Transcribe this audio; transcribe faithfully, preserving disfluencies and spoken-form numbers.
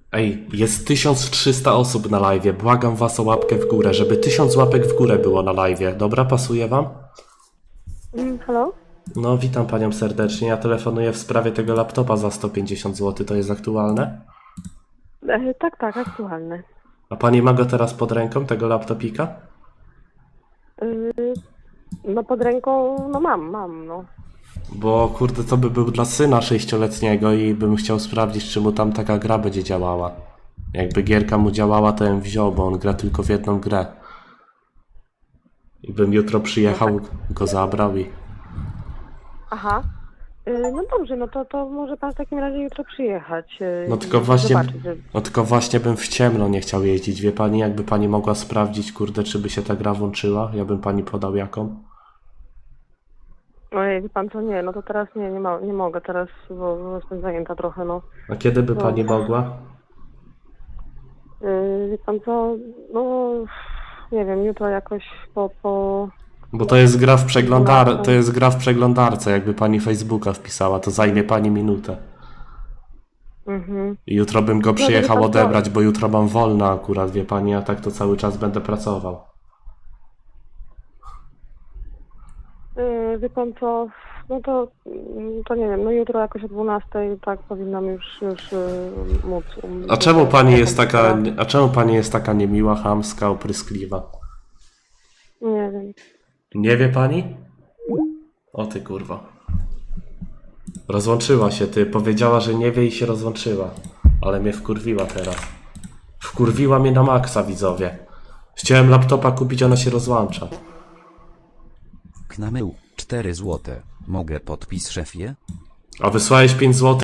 Ej, jest tysiąc trzysta osób na live'ie. Błagam was o łapkę w górę, żeby tysiąc łapek w górę było na live'ie. Dobra, pasuje wam? Mm, halo? No, witam panią serdecznie. Ja telefonuję w sprawie tego laptopa za sto pięćdziesiąt złotych. To jest aktualne? E, tak, tak, aktualne. A pani ma go teraz pod ręką, tego laptopika? Y, no pod ręką, no mam, mam, no. Bo kurde, to by był dla syna sześcioletniego i bym chciał sprawdzić, czy mu tam taka gra będzie działała. Jakby gierka mu działała, to bym wziął, bo on gra tylko w jedną grę. I bym jutro przyjechał, go zabrał i... Aha. Y, no dobrze, no to, to może pan w takim razie jutro przyjechać. y, No tylko i właśnie, zobaczyć, że... no tylko właśnie bym w ciemno nie chciał jeździć. Wie pani, jakby pani mogła sprawdzić, kurde, czy by się ta gra włączyła? Ja bym pani podał jaką? Ojej, wie pan co, nie, no to teraz nie, nie, ma, nie mogę teraz, bo, bo jestem zajęta trochę, no. A kiedy by No. pani mogła? Y, wie pan co, no nie wiem, jutro jakoś po, po... Bo to jest gra w przeglądar, to jest gra w przeglądarce, jakby pani Facebooka wpisała, to zajmie pani minutę. Mhm. I jutro bym go No, przyjechał to- odebrać, bo jutro mam wolne akurat, wie pani, a tak to cały czas będę pracował. Yy, wie pan co, no to, mm, to nie wiem, no jutro jakoś o dwunastej tak powinnam już, już yy, móc. um, A czemu pani jest jakąś taka, sprawę. a czemu pani jest taka niemiła, chamska, opryskliwa? Nie wiem. Nie wie pani? O ty kurwa. Rozłączyła się ty, powiedziała, że nie wie i się rozłączyła. Ale mnie wkurwiła teraz. Wkurwiła mnie na maksa, widzowie. Chciałem laptopa kupić, ona się rozłącza. Knamył, cztery złote. Mogę podpis szefie? A wysłałeś pięć złotych.